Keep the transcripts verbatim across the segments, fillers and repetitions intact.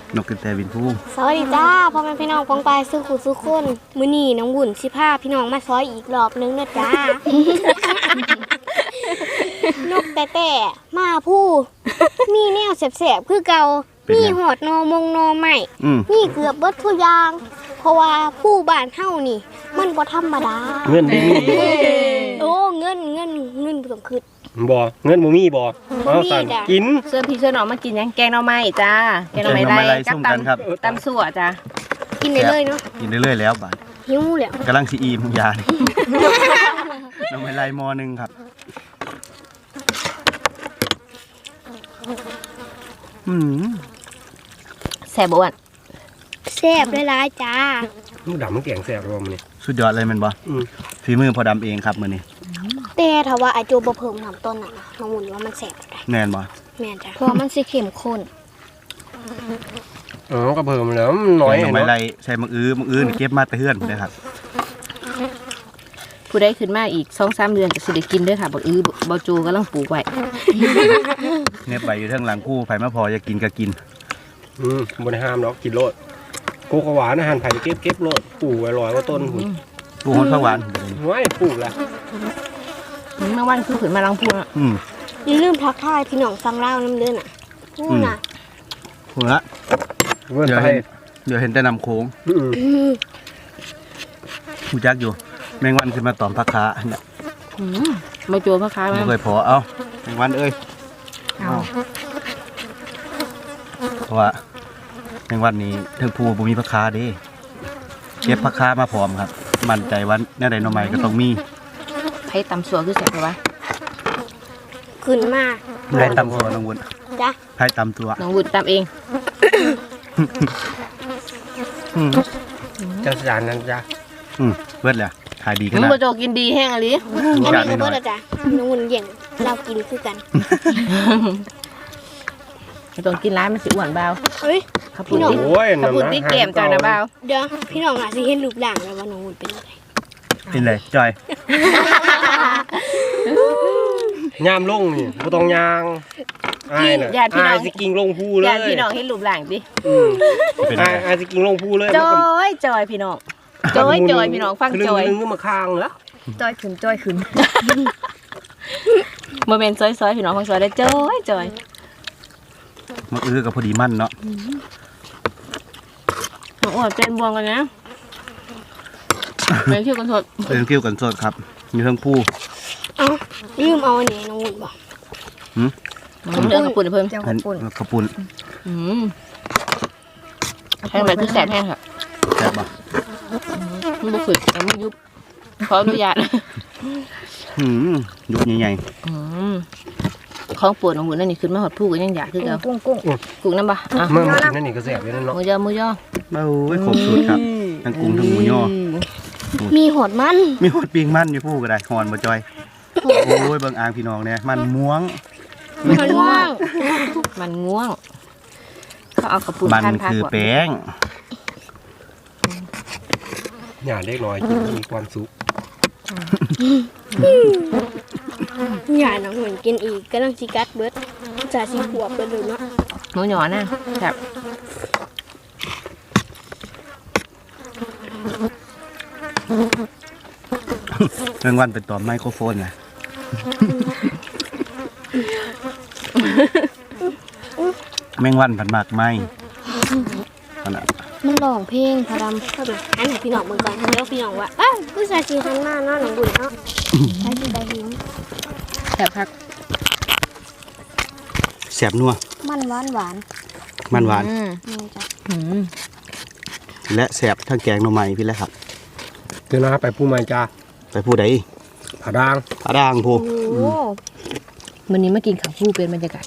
นกกระแตบินผู้สวัสดีจ้าพ่อแม่พี่น้องปองปายสู้ขุดสู้คนมื้อนี้น้องบุญสิพาพี่น้องมาซอยอีกรอบนึงนะจ้า นกแต่แต่มาผู้มีแนวแสบๆคือเก่ามีหอดนอมงนอใหม่มีเกือบเบิดทุกอย่างเพราะว่าผู้บ้านเฮานี่มันบ่ธรรมดาเงินดีมีโอ้เงินเงินเงินบ่ต้องคิดบ่เงินบ่มีบ่เอาสั่นกินเสื้อพี่เสื้อน้องมากินยังแกงหน่อไม้จ้าแกงหน่อไม้ไรกับตำตำสั่วจ้ากินได้เลยเนาะกินได้เลยแล้วบาดหิวแล้วกำลังสิอิ่มยาน้ำไม้ไรมอนึงครับอืมแซ่บบ่วะแซ่บหลายๆจ้าลูกดำมันแกงแซ่บรวมนี่สุดยอดเลยมันบ่ฝีมือพอดำเองครับมื้อนี้แต่ถ้าว่าไอโจบ่เพิ่มน้ำต้นน่ะน้องวุ่นว่ามันแซ่บได้แม่นบ่แม่นจ้ะเพราะมันสิเข้มข้นอ๋อก็เพิ่มแล้วน้อยน้ำไม้ไรใส่มะอื้อมะอื้อเก็บมาแต่เฮือนเด้อครับผู้ใดขึ้นมาอีก สองสาม เดือนก็สิได้กินเด้อค่ะบักอื้อบ่จูกำลังปลูกไว้เน็บใบอยู่เทิงหลังคู่ไผมาพอจะกินก็กินอืมบ่ได้ห้ามดอกกินโลดโกกหวานอาหารไผเก็บเก็บโลดปลูกไว้ร้อยกว่าต้นพุ่นปลูกฮอดผักหวานห้วยปลูกแล้วเมื่อวันคือขึ้นมาลังพูอ่ะอืมอย่าลืมทักทายพี่น้องฟังเล่าน้ำเด้อน่ะพูดน่ะพูดละเดี๋ยวเห็นเดี๋ยวเห็นแต่นำโค้งหูจักอยู่แมงวันขึ้นมาตอมผักขาเนี่ยมาโจผักขาไม่เคยพอเอาแมงวันเอ้ยเอาเพราะว่าแมงวันนี้เทิงภูบ่มีผักขาเด้เก็บผักขามาพร้อมครับมั่นใจว่าแน่ใดหน่อไม้ก็ต้องมีไผ่ตำสัวคือแซ่บป่ะขึ้นมาไผ่ตำตัวน้องวุ้นจ้ะไผ่ตำตัวน้องวุ้นตำเองเจ้าจานนั้นจ้ะอืมเบิดแล้วขายดีขนาดน้องโจกินดีแห้งอะไรอันนี้ก็เบิดแล้วจ้ะน้องวุ้นเย่งเรากินคือกันต้องกินร้านมันสิอ้วนเบาเฮ้ยขับปุ่นติ๊กขับปุ่นติ๊กเกมจ้านะเบาเดี๋ยวพี่น้องอาจจะเห็นรูปร่างแล้วว่าน้องวุ้นเป็นอะไรเป็นไรจอยยามลงนี่บ่ต้องยางอ้ายน่ะอ้ายสิกิ่งลงภูเลยญาติพี่น้องเห็นรูปร่างดิอ้ายอ้ายสิกิ่งลงภูเลยจอยจอยพี่น้องจอยจอยพี่น้องฟังจอยนึงมาข้างเหรอจอยขึ้นจอยขึ้นโมเมนต์ซอยๆพี่น้องฟังซอยได้จอยจอยมาอื้อกับพอดีมั่นเนาะน้องอ้วนเป็นบวงกันนะเป็นคิ้วกันสดเป็นคิ้วกันสดครับมีทั้งผู้เอ้าลืมเอาอันนี้น้องวุ้นบอกหืมเรื่องกระปุนเพิ่มกระปุนกระปุนอืมแห้งแบบคือแสบแห้งค่ะแสบป่ะมันบุกขึ้นแต่ไม่ยุบขออนุญาตหืมยุบใหญ่ๆของปวดของหุ่นนั่นนี่ขึ้นมาหดผู้ก็ยังอยากคือเรากุ้งกุ้งกุ้งน้ำปะเมื่อมากินนั่นนี่ก็แสบอยู่นั่นเนาะมือย่อมือย่อโอ้ยขบสุดครับทั้งกุ้งทั้งหมูย่อมีหอดมันมีหอดปิงมันอยู่ผู้ก็ได้หอนบ่จอยโอ้ยเบิ่งอ่างพี่น้องเนี่ยมันม่วงมันง่วงมันง่วงเขาเอากระปุกมันคือแป้งอย่าเล็กน้อยกินมีความสุขอย่าน้องเหมือนกินอีกก็ต้องซีกัดเบิร์ดจ่าซีขวบไปเลยเนาะหนูหยอนะแบบแมงวันเป็นตัวไมโครโฟนไงแมงวันผันหมากไม้ขนาดมันร้องเพลงพรำเข้ามาอันไหนพี่น้องมือก่อนเดี๋ยวพี่น้องว่าอ้าวผู้ชายสีหันหน้าเนาะหนังบุญเนาะใช้สีใบหินแสบคักแสบนัวมันหวานหวานมันหวานและแสบทั้งแกงหน่อไม้พี่แล้วครับเดี๋ยวนะไปผู้มาจ้าไปผู้ใดผาด่างผาด่างผู้วันนี้มากินข้าวผู้เป็นบรรยากาศ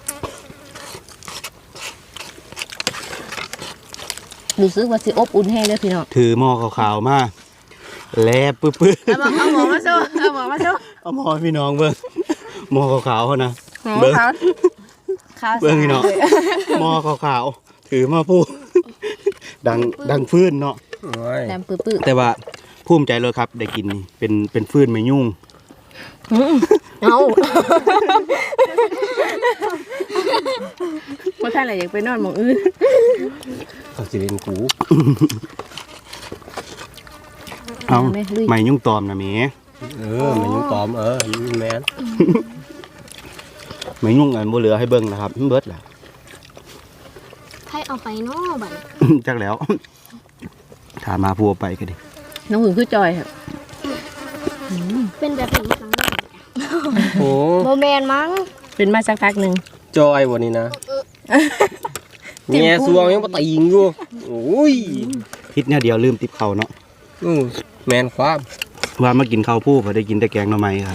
รู้สึกว่าสิอบอุ่นแห้งเลยพี่น้องถือหม้อขาวๆมาแลบปื้อๆเอาหม้อเอาหม้อมาสู้เอาหม้อมาสู้เอาหม้อพี่น้องเบิ้งหม้อขาวๆเขานะเบิ้งเบิ้งพี่น้องหม้อขาวๆถือมาผู้ดังดังฟื้นเนาะดังปื้อๆแต่ว่าภูมิใจเลยครับได้กินเป็นเป็นฟื้นไม่ยุ่งเอาว่าท่านอะไรอยากไปนอนหมองอื่นเขาสิเล่นกูเอาไม่ยุ่งตอมนะเมเออมันยุ่งตอมเออแมนไม่ยุ่งอันบ่เหลือให้เบิ่งนะครับมันเบิดแหละใครเอาไปเนาะบัดจักแล้วถ้ามาพัวไปก็ดิน้องหึงคือจอยครับเป็นแบบนี้ครั้งแรกโอ้โมแมนมั้งเป็นมาสักพักหนึ่งจอยวันนี้นะแง่สวงยังมาตีงอยู่โอ้ยพิษเนี่ยเดียวลืมติบเขาเนาะอือแมนความว่ามากินข้าวผู้พอได้กินแต่แกงหน่อไม้ครับ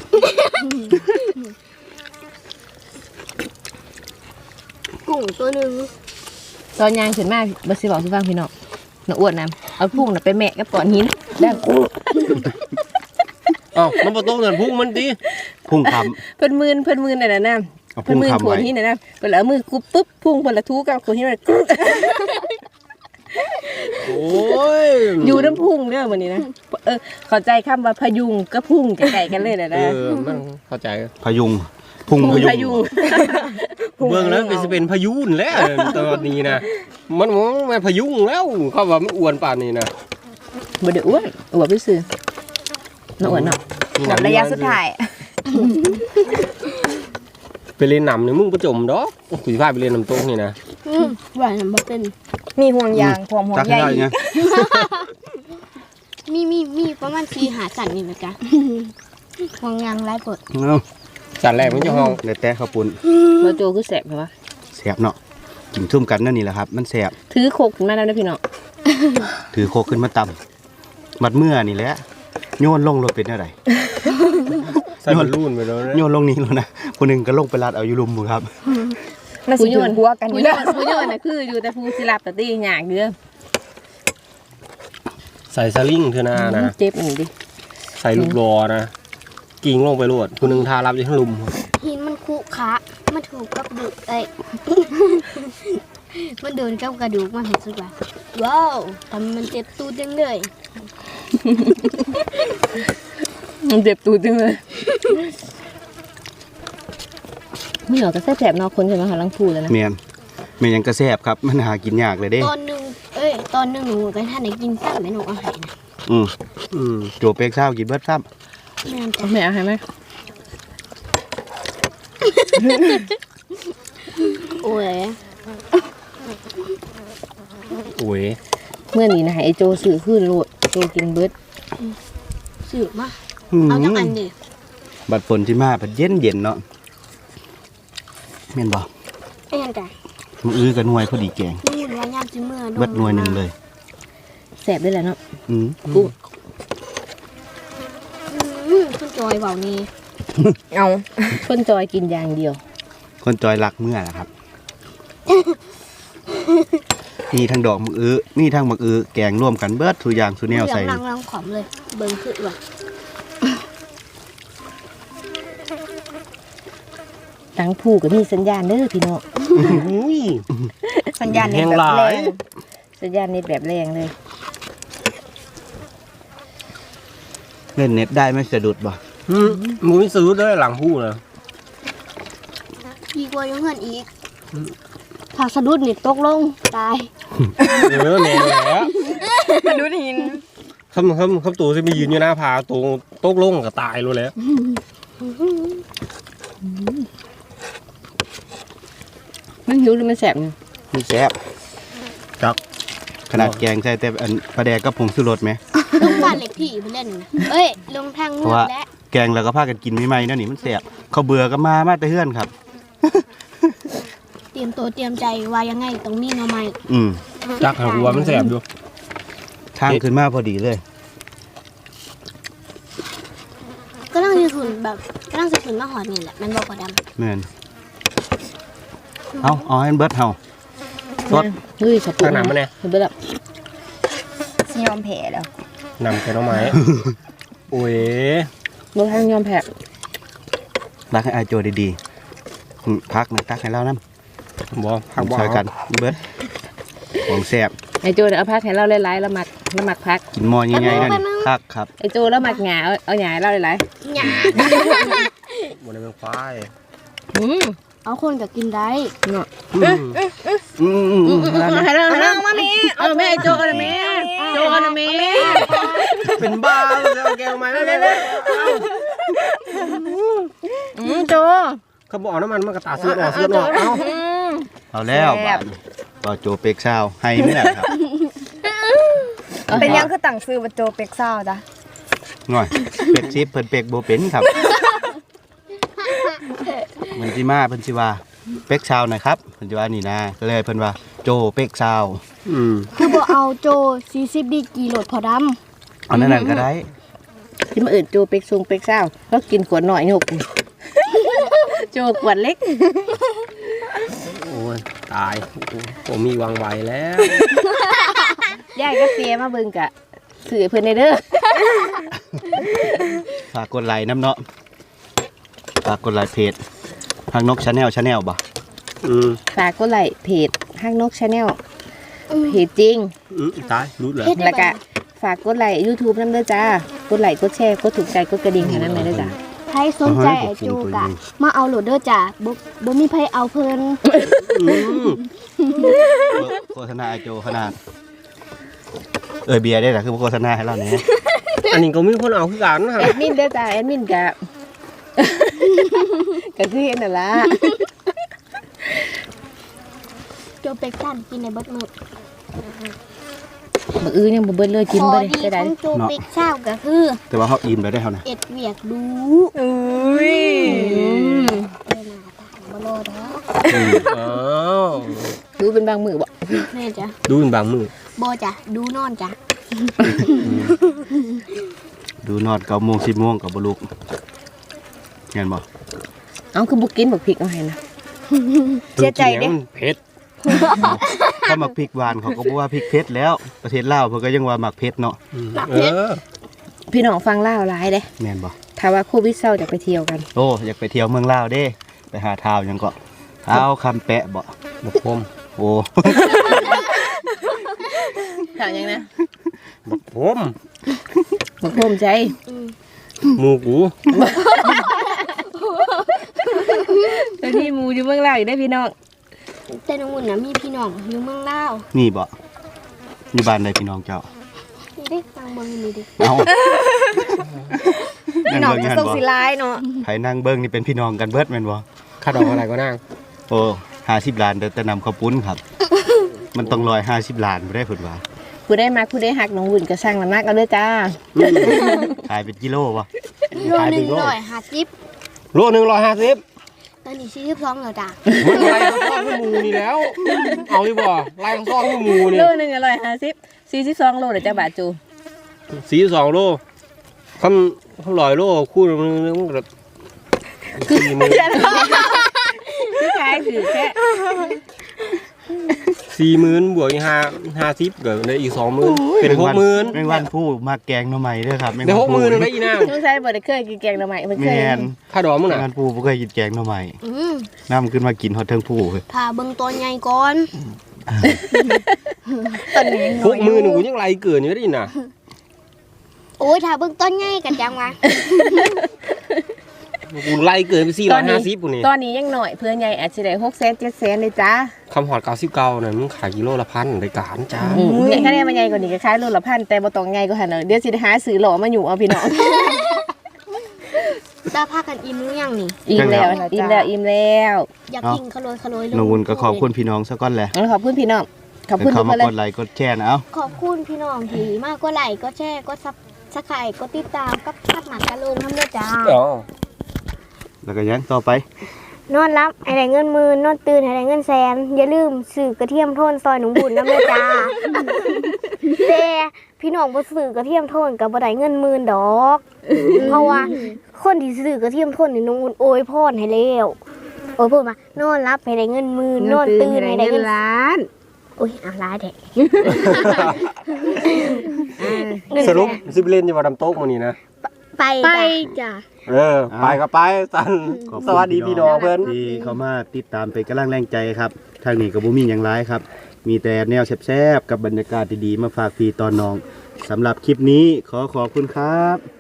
กุ้งตัวหนึ่งตอนยางขึ้นมาบัสสิบอกสิฟังพี่น้องน้าอ้วนนะเอาพุ่งน่ะไปแมะกับก้อนหินแล้วกูอ้าวมันบ่ต้องเงินพุ่งมันดิพุ่งคเพิ่นมืนเพิ่นมืนนั่นน่ะนะำเอาเพิ่พุ่นงมืนคำขวไว้นหินน่ะนะเพิ่นเอามือกุบปุ๊บพุ่งเพิ่นละทูกับขวดหินน่ะกึ๊กโอ้ยอยู่น้ำพุ่งเด้อมื้อนี้นะเออเข้าใจคำว่าพยุงกับพุ่งใกล้ๆกันเลยน่ะเอนะอมันเข้าใจพยุงพุ่งพุ่งพพยุยุงงเบื้องแล้วก็จะเป็นพายุนแล้วตอนนี้นะมันมันพายุงแล้วเขาว่ามันอ้วนป่านนี้นะบ่ได้อ้วนอ้วนไปซื้อน้าอ้วนเนาะหมดระยะสุดท้ายไปเล่นน้ำนี่มึงประจมดอกกูจะพาไปเล่นน้ำตกนี่นะหวานบ่เป็นมีห่วงยางความห่วงจักใยได้ไงมีมีมีประมาณสี่หาจันนี่นะจ๊ะห่วงยางไร้ปดเอาจัดแรกมันจะห้องเดี๋ยวแต่ข้าวปุ้นบ่โจคือแสบใช่ปะแสบเนาะกินซุ่มกันนั่นนี่แหละครับ มันแสบถือโคกขึ้นมาแล้วนะพี่น้องถือโคกขึ้นมาตำมัดเมื่อนี่แหละโยนลงรถเป็นอะไรใส่บอลลูนไปแล้วนะโยนลงนี้แล้วนะคนหนึ่งก็ลงไปรัดเอาอยู่ลุมมือครับน่าสิอยู่หัวกันอยู่เด้อผู้โยนน่ะคืออยู่แต่ผู้สิรับแต่ตีหยากเด้อใส่สลิงเถอะนะนะเจ็บอีกดิใส่ลูกรอนะกิ่งลงไปโลดคนหนึ่งทารับอยู่ทั้งลุมหินมันคุคะมันถูกกับดูกเอ้ย มันโดนกับกระดูกมันเห็นสุดว่าว้าวทำมันเจ็บตูดจังเลยมันเจ็บตูดจังเลยไม่หรอกก็แสบๆเนาะคนใช่ไหมคะลังพูดแล้วนะเมียนเมียนยังกระแสบครับ มันหากินยากเลยเด้ตอนหนึ่งเอ้ยตอนหนึ่งหนูก็ท่านไหนกินซ้ำไหมหนูเอาให้นะอืมอืมโจเป็กเช้ากินเบิดซ้แม่นจ้ะเอาแม่เอาให้ไหมโอ้ยโอ้ยเมื่อนี้นะไอโจสื่อขึ้นโลดโจกินเบิดสืบมาำอืมเอาจังอันดิบัดฝนที่มาบัดเย็นเย็นๆเนาะเมียนบอกเอ้ยนจ้ะมืออื้อกับหน่วยพอดีแกงนี่มันว่ายามจิเมื่อเบิดหน่วยหนึ่งเลยแสบได้แหละเนาะอืมกูอืมคุณจอยเบานี่เอาคนจอยกินอย่างเดียวคนจอยรักเมื่อนะครับ มีทั้งดอกมืออื้อมีทั้งมักอื้อแกงร่วมกันเบิดทุกอย่างสุแนวใส่ลังลังขอมเลย เบิ่งคือว่ะตั้งผูกกับมีสัญญาณเด้อพี่น้องอุ้ยสัญญาณเน็ตแบบแรงสัญญาณเน็ตแบบแรงเลยเล่นเน็ตได้ไม่สะดุดบ่อืมมึงไม่ซื้อด้วยหลังพูดเลยดีกว่ายังเงินอีกถ้าสะดุดนี่ตกลงตายเออแน่แล้วมาดูหินคำคำคำตัวจะไปยืนอยู่หน้าผาตัวโต๊ะลงก็ตายรู้แล้วมันหิวหรือมันแสบเนี่ยมันแซ่บจักขนาดแกงใส่แต่อันปลาแดกกับผงชูรสไหมลงบ้านเล็กพี่ไปเล่นนะเอ้ย ลงทางเพเมืราะองว่าและแกงแล้วก็พากันกินไม่ไหมๆนั่นนี่มันแซ่บเขาเบื่อก็มามาแต่เฮือนครับเตรียมตัวเตรียมใจว่ายังไงต้องมีหน่อไม้อืมจักหาวัวมันแสบอยู่ทางขึ้นมาพอดีเลยก็ต้องจะขึ้นแบบก็ต้องจะขึ้นมาหอดนี่แหละมันบอกกว่าดแม่นเอาเอาให้มันเบิดเฮา สดเฮ้ยขอบคุณทางหนำมันเนี่ยเห็นไปแล้วสิยอมแพ้แล้วนำแค่น้องไม้ โอ้ยบ่ทางยอมแพ้รักให้อายโจดีๆอืมพักนะตักให้เรานำบ่พักบ่ช่วยกันเบิดของแซ่บไอโจเดี๋ยวเอาพักให้เราหลายๆแล้วมักแล้วมักพักกินหม้อใหญ่ๆนั่นนี่คักครับไอโจแล้วมักหงาเอาเอาหงาให้เราหลายำหยาหบ่ได้เป็นควายอืมเอาคนก็กินได้เนาะอืมอืมอืมอืมให้เราให้เรามาแม่เอาแม่โจกันแม่โจกันแม่เป็นบ้าเลยเอาแก้วมาเลยอืมโจเขาบอกน้ำมันมันกระตาซื้อออกซื้อออกเอาอืมเอาแล้วบาดนี้ก็โจเป็กซาวให้ไม่ได้ครับเป็นยังคือต่างซื้อมาโจเป็กซ่าจ้ะหน่อยเป็กซิปเพิ่นเป็กบ่เป็นครับมันสิมาเพิ่นสิว่าเป็กซาวหน่อยครับเพิ่นสิว่านี่นะก็เลยเพิ่นว่าโจเป็กซาวอืมคือบ่เอาโจสี่สิบดีกรีโหลดพอดำเอานั่นนั่นก็ได้ที่มาอื่นโจเป็กซุงเป็กเศร้าแล้วกินขวดหน่อยหกโจขวดเล็กโอ้ยตายผมมีวางไว้แล้วยายก็เสียมาเบิ่งกะสื่อเพิ่นในเด้อฝากกดไลค์น้ำเนาะฝากกดไลค์เพจฮักนกชาแนลชาแนลบ่อืมฝากกดไลค์เพจฮักนกชาแนลเพจจริงอืมตายรู้แล้วแล้วก็ฝากกดไลค์ YouTube นำเด้อจ้ากดไลค์กดแชร์กดถูกใจกดกระดิ่งให้นำเลยเด้อจ้าใครสนใจไอ้โจกะมาเอาโหลดเด้อจ้ะบ่บ่มีไผเอาเพิ่นอืมโฆษณาไอโจขนาดเออเบียร์ได้ล่ะคือโฆษณาให้เราแหน่อันนี้ก็มีคนเอาคือกันนะครัแอบ ดมินเด้อจ้าแอดมินกะ ก็คือเห็นนั่นล่ะโจเป็กซั่นกินในเบิดมื้อมื้ออื่นยังบ่เบิดเลยกินข้อบ่ได้ดีจะขได้องโจเป็กซ่าก็คือแต่ว่าเฮาอิ่มไปได้เฮานะเอ็ดเวียกดูอุ้ยบ่รอดอกอืมอ๋อดูเป็นบางมื้อบ่แม่จ้ะดูเป็นบางมือบ่จ้ะดูนอนจ้ะดูนอนเก้าโมงสิบโมงก็บ่ลุกเห็นบ่เอ้าคือบ่กินบักพริกเอาให้นะเสียใจเด้มันเผ็ดถ้ามักพริกหวานเขาก็บ่ว่าพริกเผ็ดแล้วประเทศลาวเพิ่นก็ยังว่ามักเผ็ดเนาะอืมเออพี่น้องฟังลาวหลายเด้แม่นบ่ถ้าว่าโควิดเศร้าจะไปเที่ยวกันโอ้อยากไปเที่ยวเมืองลาวเด้ไปหาท้าวหยังก็ท้าวคำแปะบ่บักพมโอ้ถามยังนะบักพมบอกภูมิใจหมูกูตอนนี้หมูอยู่เมืองลาวอยู่ได้อพี่น้องแต่น้องอุ่นน่ะมีพี่น้องอยู่เมืองลาวนี่บ่อยู่บ้านใดพี่น้องเจ้านี่เด้ฟังเบิ่งนี่เด้เอ้าพี่น้องจะส่งสิร้ายเนาะไผนั่งเบิ่งนี่เป็นพี่น้องกันเบิดแม่นบ่ข้าดอกอะไรก็นั่งโอ้ห้าสิบล้านแต่แต่นำข้าวปุ้นครับ มันต้องร้อยห้าสิบล้านบ่ได้เพิ่นว่าผู้ได้มาผู้ได้หักน้องวุ่นก็สร้างน้ำหนักเอาเด้อจ้าขายเป็นกิโลบ่โลหนึ่งร้อยห้าสิบโลหนึ่งร้อยห้าสิบตอนนี้สี่สิบสองแล้วจ้ะมันไล่ทั้งซองทั้งหมูนี่แล้ว เอาดิบ่ไล่ทั้งซองทั้งหมูนี่โลหนึ่งอร่อยห้าสิบสี่สิบสองโลเดี๋ยวจะบาทจูสี่สองโลคำคำลอยโลคู่นึงมันแบบสี่หมื่นคือขายถือแค่สี่หมื่นบวกอีกห้าห้าสิบก็ได้อีกสองหมื่นเป็นหกหมื่นแมงวันผู้มาแกงหน่อไม้เด้อครับแมงได้วัหกหมื่นได้อีนางช่วงใช้บ่ได้เคยกินแกงหน่อไม้เพิ่นเคแม่ยนข้าดอกมึงแมงน่ะวันผู้บ่เคยกินแกงหน่อไม้อืมนำขึ้นมากินฮอดเทิงผู้เฮ้ยถ้าเบิ่งตัวใหญ่ก่อนตอนนี้ยังหน้อก ยอหมื่นยู่กูยังไล่เกินอยู่ได้อีน่ะโอ้ยถ้าเบิ่งตัวใหญ่ก็จังว่ากูไล่เกินไปสี่ร้อยห้าสิบกูนี่ตอนนี้ยังหน่อยเพื่อนใหญ่อาจจะได้หกแสนเจ็ดแสนเลยจ้าคำหอดเก้าสิบเก้าเนี่ยมึงขายกิโลละพันรายการจ้าอืมเนี่ยคะแนนมันใหญ่กว่านี้ก็ขายโลละพันแต่บ่ต้องใหญ่กว่าหั่นเด้อเดี๋ยวสิได้หาซื้อหล่อมาอยู่เอาพี่น้องตาพากันอิ่มหรือยังนี่อิ่มแล้วอิ่มแล้วอิ่มแล้วอยากกินขโลยขโลยเลยน้องวุ้นก็ขอบคุณพี่น้องซะก่อนแหละงั้นขอบคุณพี่น้องขอบคุณเขาทุกคมานเลกยดไลค์กดแชร์นะเอ้าขอบคุณพี่น้องที่มากก็ไลค์ก็แชร์ก็ซับสไครต์ก็ติดตามกับพัดหมากกะโลงทำด้วยจ้าอ๋อแล้วก็ยังต่อไปนอนรับให้ได้เงินหมื่นนอนตื่นให้ได้เงินแสนอย่าลืมสื่อกระเทียมโทนซอยหนุ่มบุญน้ำเลยจ้า แต่พี่น้องบ่สื่อกระเทียมโทนกับบ่ได้เงินหมื่นดอก เพราะว่าคนที่สื่อกระเทียมโทนนี่น้องอุ่นโอยพรให้แล้วโอ้ยพูดมานอนรับให้ได้เงินหมื่นนอนตื่นให้ได้เงินล้านโอ้ยเอาร้ายแท้สรุปซิบเลนจะมาดำโต๊ะมันนี่นะไปจ้ะเออ ไปก็ไปสันขอบคุณสวัสดีพี่น้องเพื่อนที่เขามาติดตามเป็นกำลังแรงใจครับ ทางนี้ก็บ่มีหยังร้ายครับ มีแต่แนวแซ่บๆกับบรรยากาศดีๆมาฝากพี่ตอนน้องสำหรับคลิปนี้ขอขอบคุณครับ